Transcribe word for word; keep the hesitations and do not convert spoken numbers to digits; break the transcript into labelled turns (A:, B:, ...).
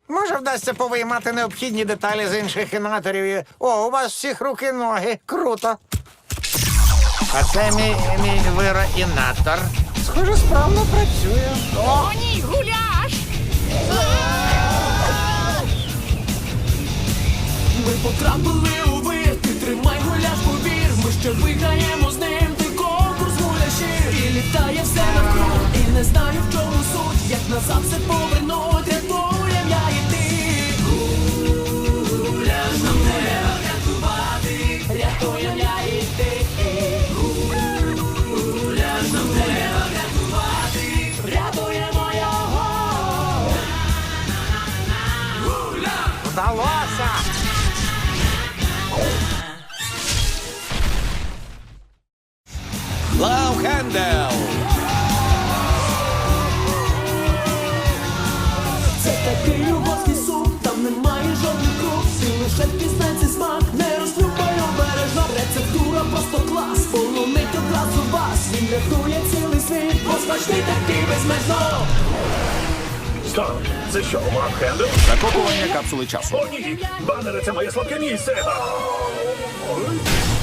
A: Може, вдасться повиймати необхідні деталі з інших інаторів. і- О, у вас всіх руки-ноги. Круто. А це мій, мій вироінатор. Схоже, справно працює.
B: О, ні, гуляш!
C: Ми потрапили у вир, ти тримай гуляш, повір. Ми ще виграємо з ним, ти конкурс гуляшів. І літає все навкруг, і не знаю, в чому суть. Як назад все повернуть, рятуєм я і ти. Гуляш нам треба рятувати, рятуєм я і ти. Гуляш нам треба рятувати, рятуємо його.
A: Вдалося!
D: Лав Хендел!
C: Це такий угорський суп, там немає жодних круг. Ти лише впізнай цей смак, не розлюбай обережно. Рецептура просто клас, полонить одразу вас. Він рятує цілий світ, бо смачний такий безмежно.
E: Стоп! Це що, Лав Хендел?
D: Закопування капсули часу.
E: О, ні! Банери, це моє слабке місце! Ау!